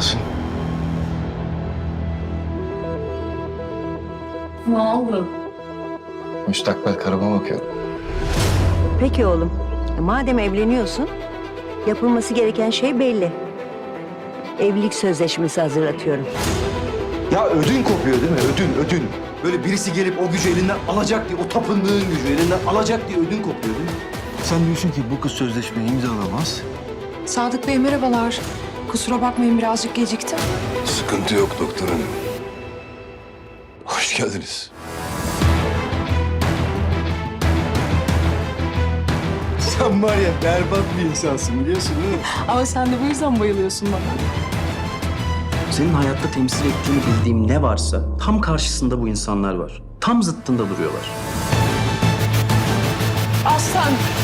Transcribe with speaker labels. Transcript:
Speaker 1: Yasin.
Speaker 2: Ne oldu?
Speaker 1: Müstakbel karıma bakıyorum.
Speaker 3: Peki oğlum. Madem evleniyorsun, yapılması gereken şey belli. Evlilik sözleşmesi hazırlatıyorum.
Speaker 4: Ya ödün kopuyor değil mi? Ödün. Böyle birisi gelip o gücü elinden alacak diye, o tapındığın gücü elinden alacak diye ödün kopuyor değil mi?
Speaker 1: Sen diyorsun ki bu kız sözleşmeyi imzalamaz.
Speaker 2: Sadık Bey merhabalar. Kusura bakmayın birazcık geciktim.
Speaker 1: Sıkıntı yok doktor hanım. Hoş geldiniz.
Speaker 4: Sen var ya berbat bir insansın biliyorsun değil mi?
Speaker 2: Ama sen de bu yüzden bayılıyorsun bana.
Speaker 5: Senin hayatta temsil ettiğini bildiğim ne varsa tam karşısında bu insanlar var. Tam zıttında duruyorlar.
Speaker 2: Aslan!